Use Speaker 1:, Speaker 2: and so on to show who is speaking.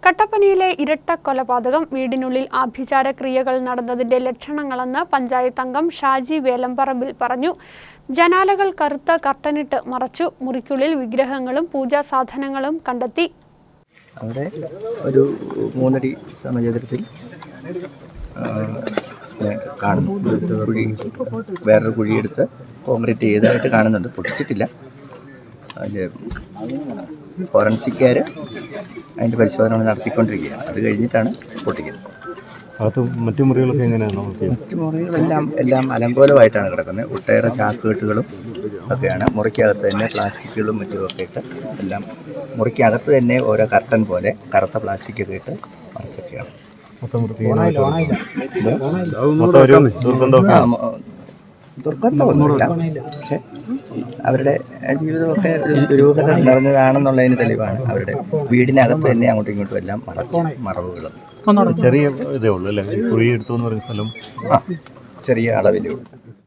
Speaker 1: കട്ടപ്പനയിലെ ഇരട്ട കൊലപാതകം വീടിനുള്ളിൽ ആഭിചാര ക്രിയകൾ നടന്നതിന്റെ ലക്ഷണങ്ങളെന്ന് പഞ്ചായത്ത് അംഗം ഷാജി വേലമ്പറമ്പിൽ പറഞ്ഞു. ജനാലകൾ കറുത്ത കർട്ടനിട്ട് മറച്ചു. മുറിക്കുള്ളിൽ വിഗ്രഹങ്ങളും പൂജാ സാധനങ്ങളും കണ്ടെത്തി.
Speaker 2: അവിടെ ഒരു 3 അടി സമചതുരത്തിൽ കുഴി, വേറൊരു കുഴിയെടുത്ത് കോൺക്രീറ്റ് ചെയ്തതായിട്ട് കാണുന്നുണ്ട്. പൊട്ടിച്ചിട്ടില്ല. അതിൻ്റെ ഫോറൻസിക്കാർ അതിൻ്റെ പരിശോധന നടത്തിക്കൊണ്ടിരിക്കുകയാണ്. അത് കഴിഞ്ഞിട്ടാണ് പൊട്ടിക്കുന്നത്.
Speaker 3: മറ്റു മുറികളൊക്കെ എങ്ങനെയാണ്?
Speaker 2: മറ്റു മുറികളെല്ലാം അലങ്കോലമായിട്ടാണ് കിടക്കുന്നത്. ഒട്ടേറെ ചാക്കുകെട്ടുകളും ഒക്കെയാണ്. മുറിക്കകത്ത് തന്നെ പ്ലാസ്റ്റിക്കുകളും മറ്റുമൊക്കെ ഇട്ട് എല്ലാം മുറിക്കകത്ത് തന്നെ ഓരോ കർട്ടൻ പോലെ കറുത്ത പ്ലാസ്റ്റിക്കൊക്കെ ഇട്ട് മറിച്ചൊക്കെയാണ്. ദുർഗന്ധമൊന്നുമില്ല, പക്ഷെ അവരുടെ ജീവിതമൊക്കെ ദുരൂഹത നിറഞ്ഞതാണെന്നുള്ളതിന് തെളിവാണ്. അവരുടെ വീടിനകത്ത് തന്നെ അങ്ങോട്ടും ഇങ്ങോട്ടും എല്ലാം മറവുകളും.
Speaker 3: ചെറിയ ഇതേ ഉള്ളൂ അല്ലേ? കുഴി എടുത്തു എന്ന് പറയുന്ന സ്ഥലം
Speaker 2: ചെറിയ അളവിലേ ഉള്ളൂ.